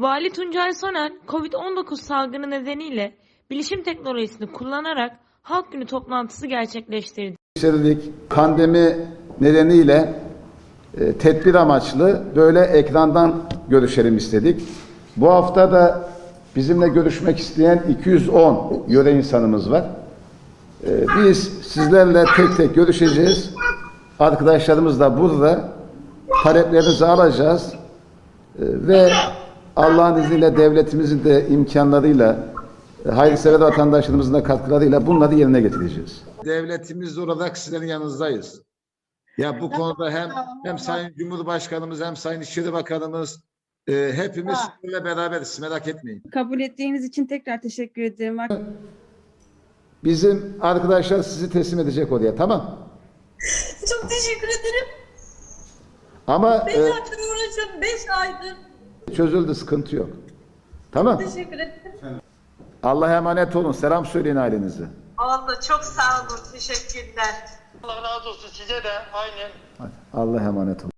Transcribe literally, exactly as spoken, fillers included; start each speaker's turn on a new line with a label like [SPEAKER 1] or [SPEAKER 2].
[SPEAKER 1] Vali Tuncay Soner, Covid on dokuz salgını nedeniyle bilişim teknolojisini kullanarak Halk Günü toplantısı gerçekleştirdi.
[SPEAKER 2] Pandemi nedeniyle e, tedbir amaçlı böyle ekrandan görüşelim istedik. Bu hafta da bizimle görüşmek isteyen iki yüz on yöre insanımız var. E, biz sizlerle tek tek görüşeceğiz. Arkadaşlarımız da burada. Taleplerinizi alacağız. E, ve Allah'ın izniyle devletimizin de imkanlarıyla, e, hayırsever vatandaşlarımızın da katkılarıyla bunları yerine getireceğiz. Devletimiz olarak sizlerin yanınızdayız. Ya bu konuda hem hem Sayın Cumhurbaşkanımız hem Sayın İçişleri Bakanımız e, hepimiz sizinle beraberiz. Merak etmeyin.
[SPEAKER 3] Kabul ettiğiniz için tekrar teşekkür ederim.
[SPEAKER 2] Bizim arkadaşlar sizi teslim edecek oraya, tamam?
[SPEAKER 4] Çok teşekkür ederim.
[SPEAKER 2] Ama
[SPEAKER 4] Beş
[SPEAKER 2] e,
[SPEAKER 4] aydır uğraşıyorum. Beş aydır.
[SPEAKER 2] çözüldü, sıkıntı yok. Tamam.
[SPEAKER 4] Teşekkür ederim.
[SPEAKER 2] Allah'a emanet olun. Selam söyleyin ailenize.
[SPEAKER 4] Allah çok sağ olun. Teşekkürler.
[SPEAKER 5] Allah razı olsun size de aynen.
[SPEAKER 2] Allah'a emanet olun.